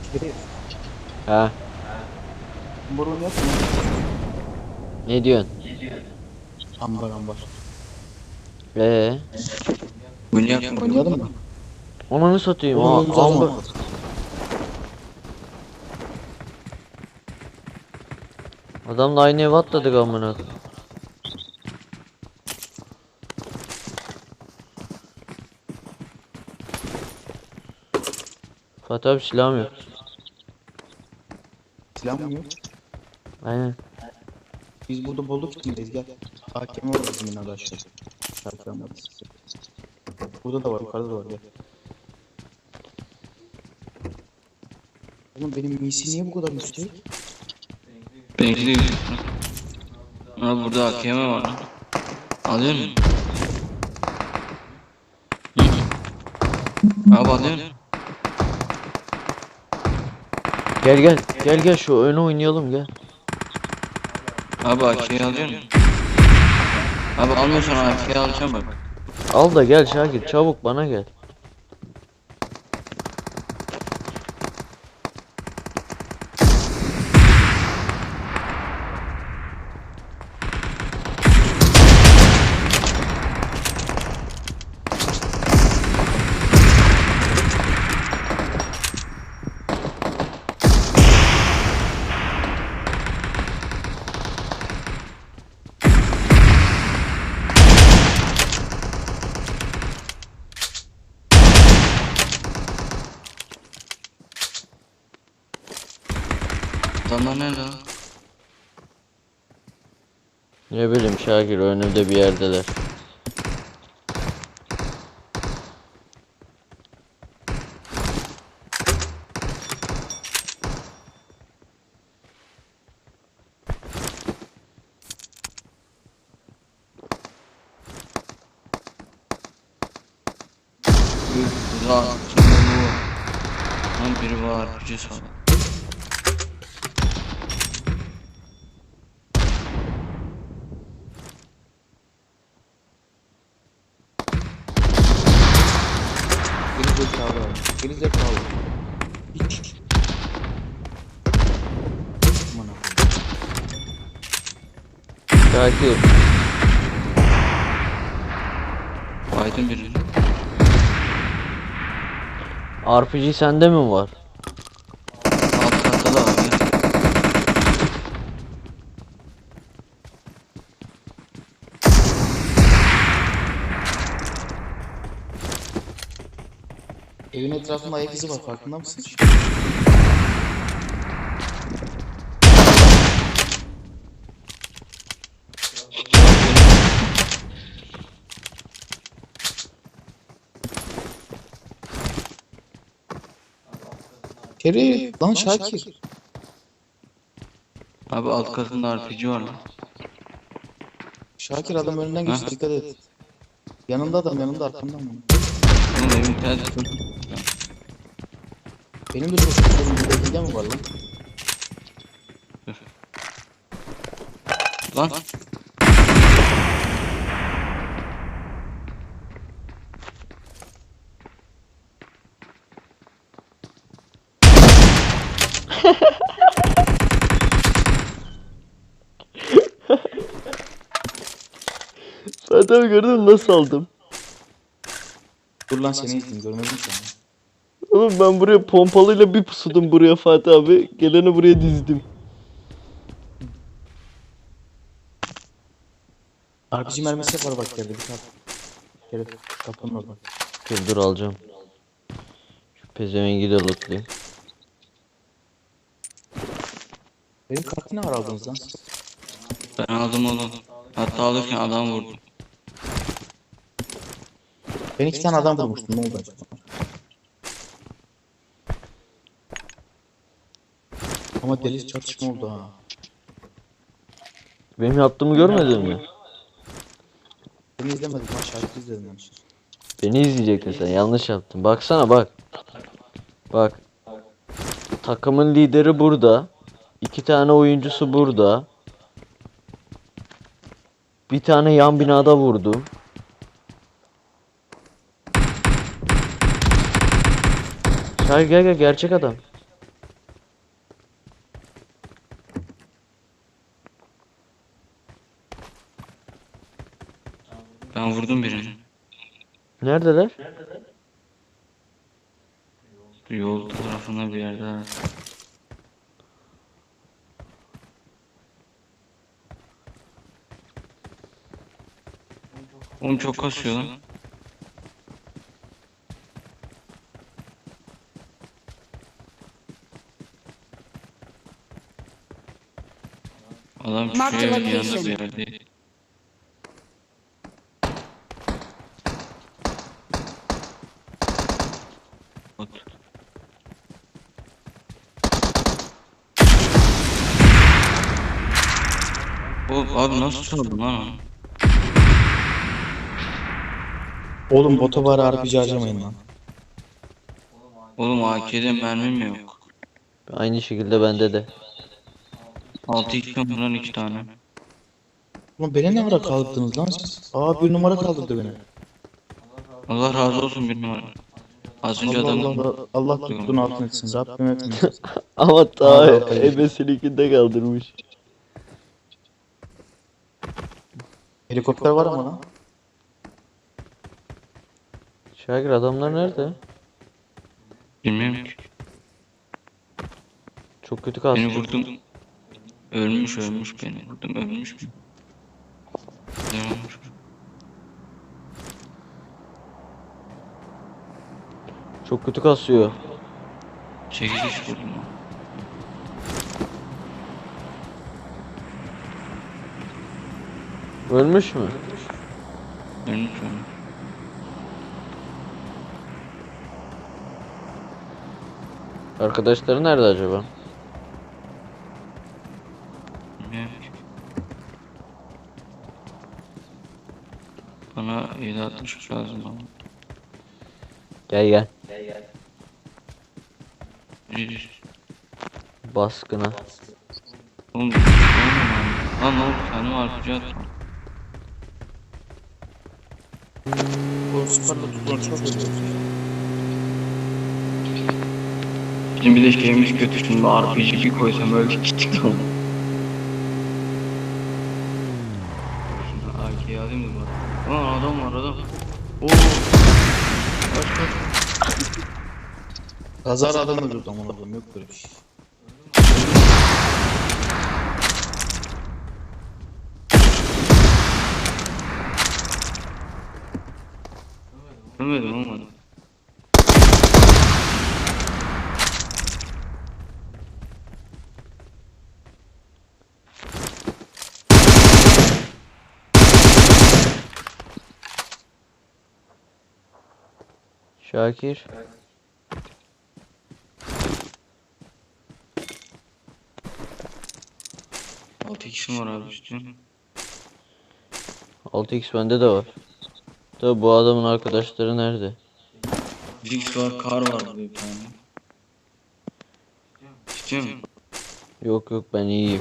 Şerif. Ha, Ambaronu yok mu? ne diyorsun? Ambar. Ee, Oynayalım mı? Onu satayım. Oğlum oyunumuzu o zaman. Adamla aynı eve atladık amına. Fatih abi silahım yok. Silah mı yok? Aynen. Biz burada bolluk içindeyiz gel. Hakem var bizim binada aşağıda. Şarkı almadı. Burada da var, yukarıda da var gel. Oğlum benim misi niye bu kadar yüksek? Benimki de yüksek. Ama burada AKM var lan. Alıyor musun? Abi alıyor musun? Gel şu oyunu oynayalım gel. Abi AK'yi alıyor musun? Abi almıyorsan AK'yi alacağım bak. Al da gel Şakir çabuk bana gel. Adamlar nerede lan? Ne bileyim Şakir önümde bir yerdeler. Burada bu. Lan biri var. Gücü sağ. Geri zekalı. Geri zekalı. Hiç. Aman Allah'ım. Şakir Aydın birini. RPG sende mi var? Alt katta da var ya. Evin etrafında ayak izi var, farkında mısın? Şerif. Lan Şakir. Abi alt katında RPG var lan. Şakir adam önünden geçti, Ha? dikkat et. Yanında adam, yanında arkamdan mı? Oğlum evin tersi. Benim de çok sorun bir dakika mi var lan? Lan. Fatih abi gördün mü nasıl aldım? Dur lan seni izleyeyim, görmedim seni. Oğlum ben buraya pompalıyla bir pusudum buraya Fatih abi. Geleni buraya dizdim. RPG mermisi var bak yerde, bir tane. Şerif kapının orada. Dur alacağım. Şu pezevengi de lootlayayım. Benim kartı ne var aldınız lan? Ben aldım oğlum. Hatta alırken adam vurdum. Ben iki tane adam vurmuştum, ne oldu acaba? Ama deli çatışma oldu ha. Benim yaptığımı görmedin mi? Beni izlemedim ha, şarkı izledim ben. Beni izleyecektin sen yanlış yaptın. Baksana bak. Bak. Takımın lideri burada. 2 tane oyuncusu burada. Bir tane yan binada vurdum. Gel gerçek adam. Ha, vurdum birini. Neredeler? Yol tarafında bir yerde. Oğlum çok kasıyor lan. Adam Mark the şuraya bir yanda location. bir yerde. Bot. Abi nasıl çaldın lan onu? Oğlum bota var RPG harcamayın lan. Oğlum AK'de mermim yok. Aynı şekilde bende de. 6x mi lan 2 tane? Ulan beni ne ara kaldırdınız lan siz? Aa bir numara kaldırdı beni. Allah razı olsun bir numara. Az önce Allah adam Allah Allah tuttuğunu altın etsin. Rabbim etmesin. Ama ta Hala kayıyor. ebesinikinde kaldırmış. Helikopter var ama lan. Şakir adamlar nerede? bilmiyorum ki. Çok kötü kastı. Beni vurdum. Ölmüş beni vurdum ölmüş mü? Ne olmuş? Çok kötü kasıyor. 8 iş vurdum. Ölmüş mü? Ölmüş. Arkadaşları nerede acaba? Bilmiyorum ki. Bana 7.63 lazım ama. Gel gel. Bir- Baskına. Oğlum lan oğlum kendime RPG attım. Bu süperle tuttuğunu çok özledim. Bizim bir de şeyimiz kötü şimdi RPG bir koysam öyle gittik lan. Şimdi AK'yi alayım da bak. Aa adam var adam. Oo. Kaç. Kazara adam öldürdü aman Allah'ım yok böyle bir şey. Ölmedim olmadı. Şakir. Altı kişi var abi üstüne. 6x bende de var. Tabi bu adamın arkadaşları nerede? Zix var, kar var bir tane. İstiyor musun? Yok yok ben iyiyim.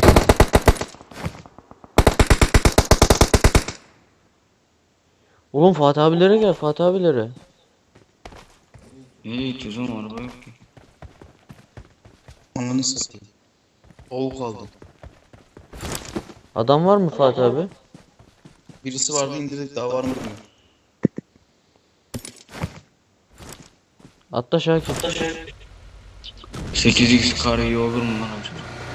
Oğlum Fatih abilere gel Fatih abilere. Nereye gideceğiz oğlum araba yok ki. Ananı satayım. Oğul kaldı. Adam var mı Fatih abi? Birisi vardı indirdik daha var mı bilmiyorum. Atla Şakir. 8x kar iyi olur mu lan acaba?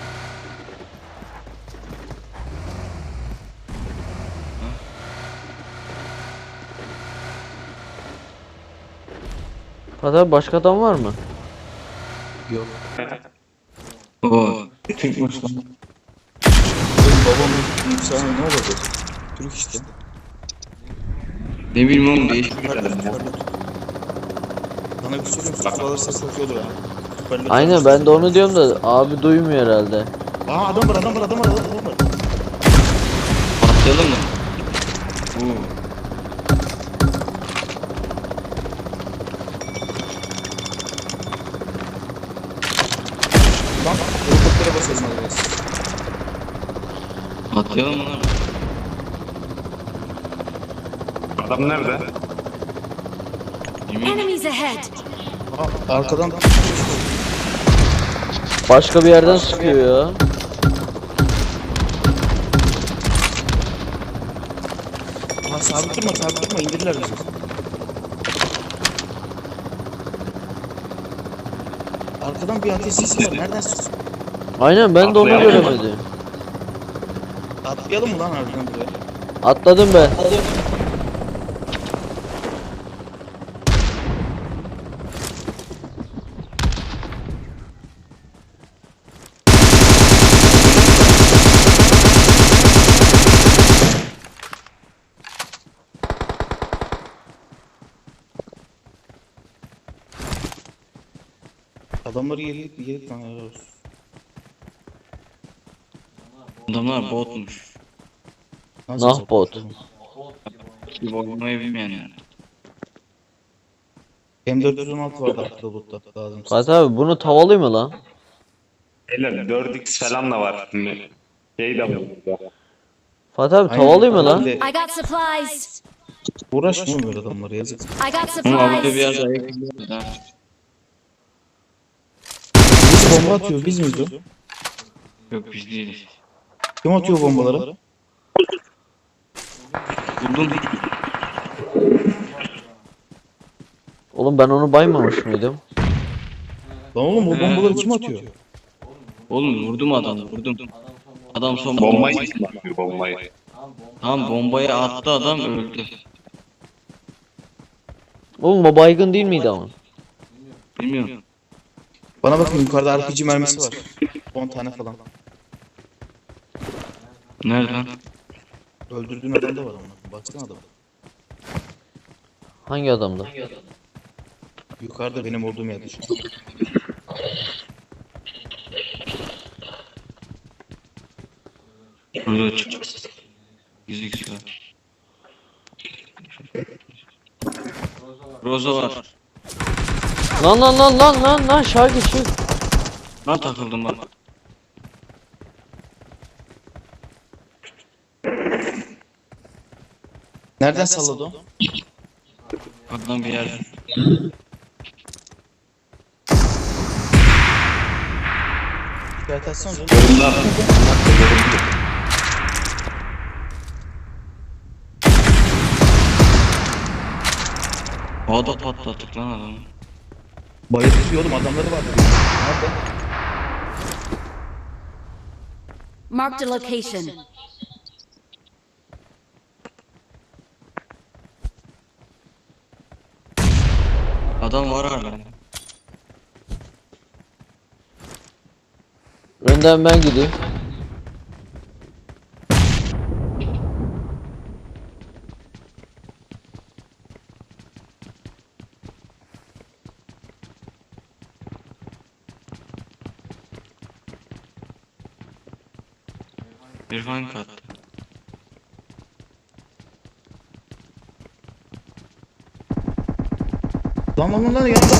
Fatih abi başka adam var mı? Yok. Oo. Türkmüş lan. Benim babamın yükselme ne olacak? Türk işte. Ne bileyim oğlum değişik bir Süperle adam ya. süperle tut. Sana bir söyleyeyim süper alırsa çok iyi olur ha. Süperle Aynen tut. ben de onu diyorum da abi duymuyor herhalde. Aa adam var adam var adam var adam var. Atlayalım mı? Oo. Lan helikoptere basalım hadi biraz. Atlayalım mı lan? Adam nerede? Bilmiyorum. Enemies ahead! Aa arkadan Başka bir yerden sıkıyor ya. Lan sabit durma indirirler bizi. Arkadan bir ateş sesi var. Nereden sıkıyor? Aynen ben de onu Atlayalım mı? göremedim. Atlayalım mı lan harbiden buraya? Atladım ben. Adamları yedik lan helal olsun. Adamlar botmuş. Nasıl Nah sapık bot. oğlum? Bir oynamayı bilmeyen yani. M416 vardı arkada loot'ta lazım. Fatih abi bunu tavalı mı lan? Beyler 4x falan da var. Şey de var burada. Fatih abi Aynen, tavalı mı lan? bir de I got supplies. Uğraşma oğlum böyle adamlara yazık. I got Ama burada bir supplies. yerde ayak izi var. Biz bomba atıyoruz biz miyiz o? Yok biz değiliz. Kim atıyor bombaları? Buldum. Oğlum ben onu baymamış mıydım? Lan oğlum o bombaları kim atıyor? Oğlum vurdum adamı vurdum. Adam son Bombayı atıyor bombayı. Tamam bombayı attı adam öldü. Oğlum o baygın değil miydi ama? Bilmiyorum. Bana bakın yukarıda RPG mermisi var. 10 tane falan. Nereden? Öldürdüğün adam da var ama. Baksana adam. Hangi adamda? Yukarıda benim olduğum yerde şu an. Burada çık. Gizli silah. Roza var. Lan Şarkı çık. Ben takıldım bak. Nereden salladı o? Adam bir yer. İşaret atsana canım. Havada patlattık lan adamı. Bayıltıyor oğlum adamları var. Nerede? Marked a location. Adam var hala. Önden ben gideyim. İrfan kat. Lan yanında.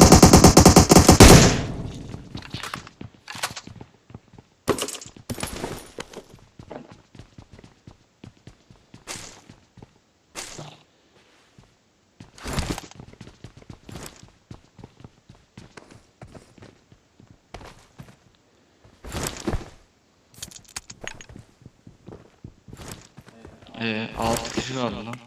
Altı kişi kaldı lan.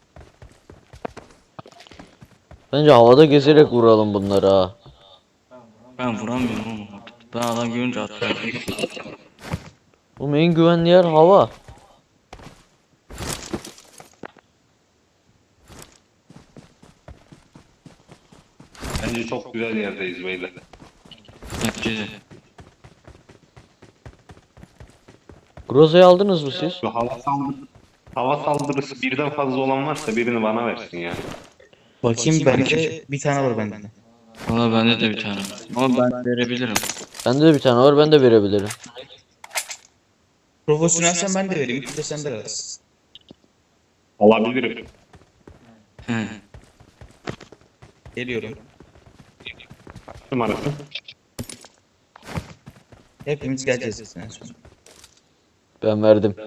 Bence havada gezerek vuralım bunları ha. Ben vuramıyorum oğlum. Ben adam görünce atlıyorum. Oğlum en güvenli yer hava. Bence çok güzel yerdeyiz beyler. Bence de. Groza'yı aldınız mı siz? Şu hava saldırısı birden fazla olan varsa birini bana versin ya. Bakayım bende bir tane var bende. Valla bende de bir tane var. Ama ben verebilirim. Bende de bir tane var ben de verebilirim. Profesyonelsen ben de vereyim. İki de sen de versin. Alabilirim. He. Geliyorum. Numarası. Hepimiz geleceğiz en son. Ben verdim.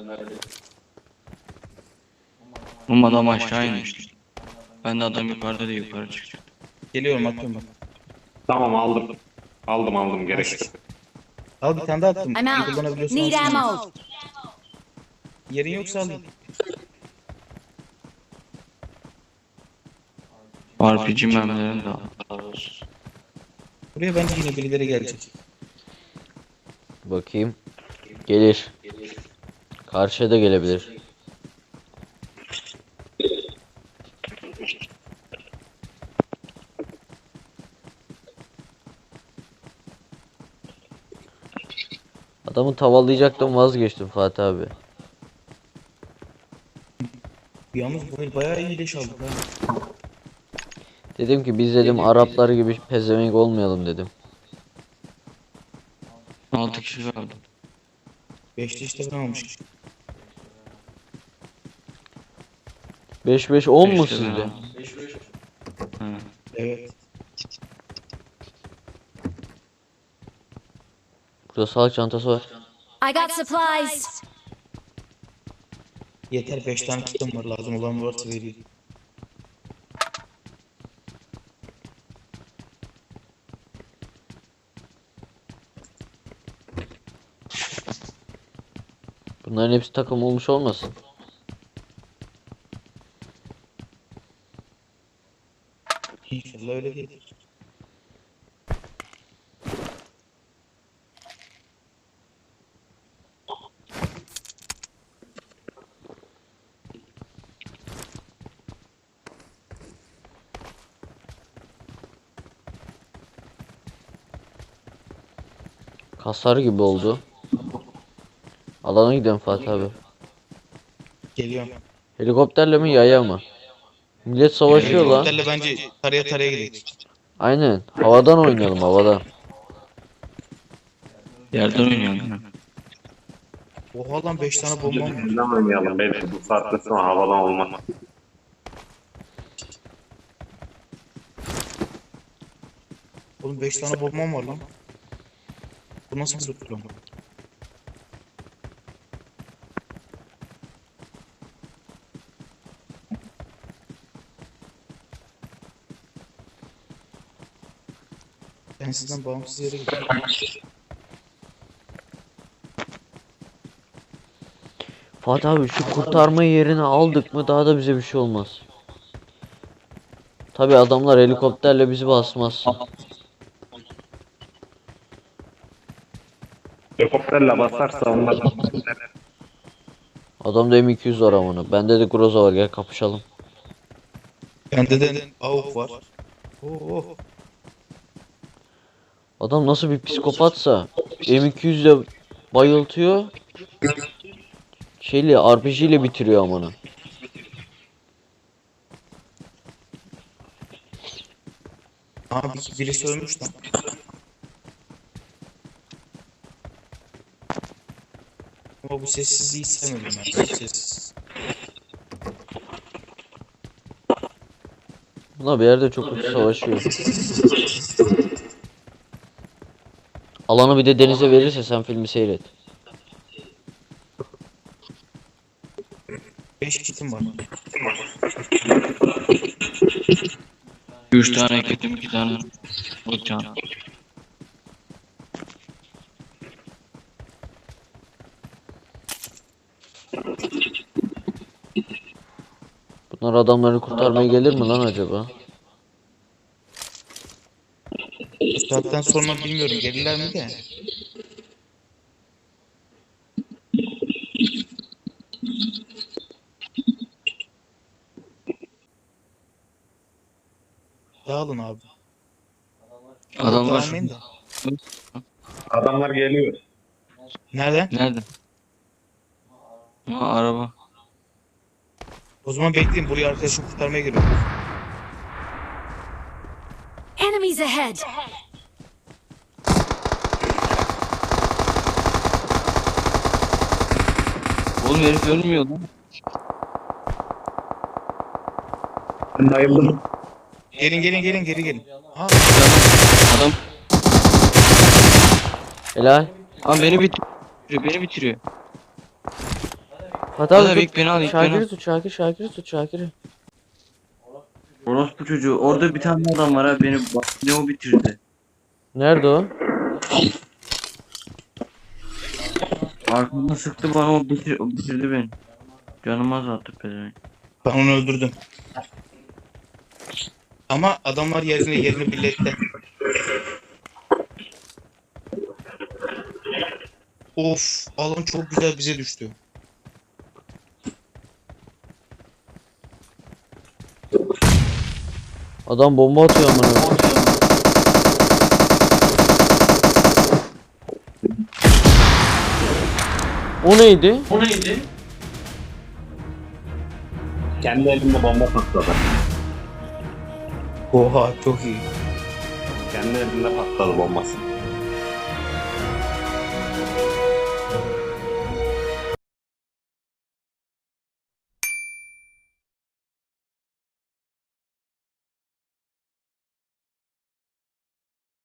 Oğlum adam aşağı inmiş. Ben de adam yukarıda değil yukarı çıkacak. Geliyorum atıyorum bak. Tamam aldım. Aldım gerek yok. Al bir tane daha attım. I'm out. Kullanabiliyorsun. Need alsana. ammo. Yerin yoksa alayım. RPG mermilerim de al. Buraya bence yine birileri gelecek. Bakayım. Gelir. Karşıya da gelebilir. Adamı tavalayacaktım, vazgeçtim Fatih abi. Yalnız bu el bayağı iyi leş aldık ha. Dedim ki biz dedim Araplar gibi pezevenk olmayalım dedim. 6 kişi kaldı. 5'te işte ben almışım. 5-5-10 mu Beşte ben sizde? aldım. Hı. Evet. Burada sağlık çantası var. I got supplies. Yeter 5 tane kitim var, lazım olan varsa vereyim. Bunların hepsi takım olmuş olmasın? İnşallah öyle değil. Kasar gibi oldu. Alana gidelim Fatih abi. Geliyorum. Helikopterle mi yaya mı? Millet savaşıyor lan. Helikopterle bence taraya taraya gidelim. Aynen. Havadan oynayalım, havadan. Yerden oynuyorum değil mi? Oha lan 5 tane bombam var. Bizden oynayalım. Belki bu saatten sonra havadan olmaz. Oğlum 5 tane bombam var lan. Bu nasıl bir plan? Ben sizden bağımsız yere gidiyorum. Fatih abi şu kurtarma yerini aldık mı daha da bize bir şey olmaz. Tabi adamlar helikopterle bizi basmaz. Helikopterle basarsa onlar Adamda M200 var amına. Bende de Groza var, gel kapışalım. Bende de AUK var. Oo. Adam nasıl bir psikopatsa M200 ile bayıltıyor. Şeyle RPG ile bitiriyor amına. Abi birisi ölmüş lan. Ama bu sessizliği sevmedim ben. Sessiz. Bunlar bir yerde çok kötü savaşıyor. Alanı bir de denize verirse sen filmi seyret. 5 kitim var. 3 tane ekledim, 2 tane bıçağım. Bunlar adamları kurtarmaya gelir mi lan acaba? Bu saatten sonra bilmiyorum gelirler mi de. Dağılın abi. Adamlar Dağılmayın da. adamlar geliyor. Nereden? nerede? Ha, araba. O zaman bekleyin, buraya arkadaşım kurtarmaya geliyorum. Enemies ahead. Oğlum herif ölmüyor lan. Ben bayıldım. Gelin geri gelin. Ha, Adam Helal. abi beni bitiriyor, beni bitiriyor. Fatih Hadi abi ilk beni al, ilk beni Şakir'i al. tut, Şakir'i tut, Şakir'i. Orospu çocuğu, orada bir tane adam var ha, beni ne o bitirdi. Nerede o? Arkamdan sıktı bana, o bitirdi beni. Canım az attı pezevenk. ben onu öldürdüm. Ama adamlar yerini belli etti. Of, alan çok güzel bize düştü. Adam bomba atıyor amına koyayım. O neydi? Kendi elimde bomba patladı. Oha, çok iyi. Kendi elimde patladı bombası.